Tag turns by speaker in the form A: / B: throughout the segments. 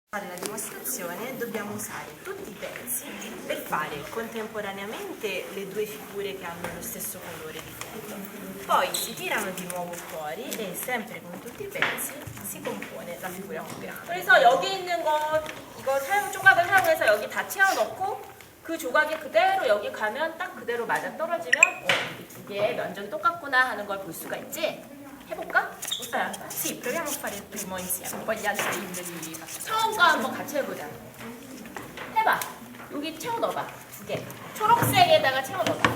A: Per fare la dimostrazione dobbiamo usare tutti i pezzi per fare contemporaneamente le due figure che hanno lo stesso colore di fondo. Poi si tirano di nuovo fuori e sempre con tutti i pezzi si compone la figura più grande.
B: 그래서 여기 있는 거 이거 조각을 사용해서 여기 다 채워넣고 그 조각이 그대로 여기 가면 딱 그대로 맞아 떨어지면 이게 면적이 똑같구나 하는 걸 볼 수가 있지? 해볼까?
A: Sì, proviamo a fare il primo insieme, poi gli altri li facciamo.
B: 처음 거 한번 같이 해보자. 해봐. 여기 채워 넣어봐. 두 개. 초록색에다가 채워 넣어봐.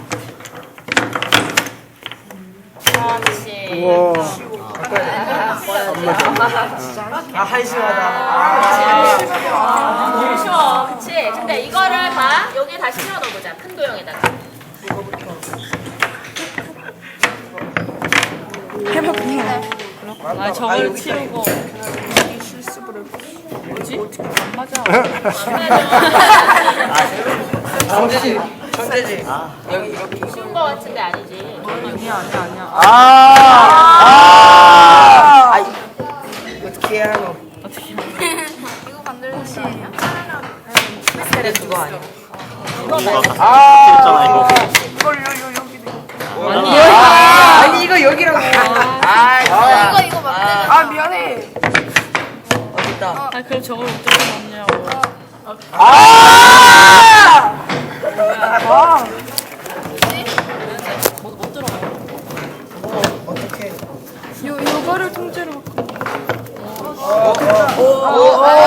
B: 그렇지.
C: 한심하다.
B: 쉬워. 그치? 근데 이거를 봐. 여기에 다시 채워 넣어보자. 큰 도형에다가.
D: 아 저걸 치우고 뭐지? 안 맞아.
C: 천재지. 천재지. 여기 이렇게.
B: 쉬운 거 같은데 아니지.
D: 아니야.
C: 어떻게 해야 하노?
E: 이거 만들는 시예요?
C: 근데 그거 아니야.
B: 이거 말고.
C: 아니 이거 여기라고.
E: 이거 만들는
C: 미안해. 어딨다.
D: 아 그럼 저걸 어떻게 넣냐고. 못 들어가.
C: 어떻게?
D: 요거를 통째로.
C: 오.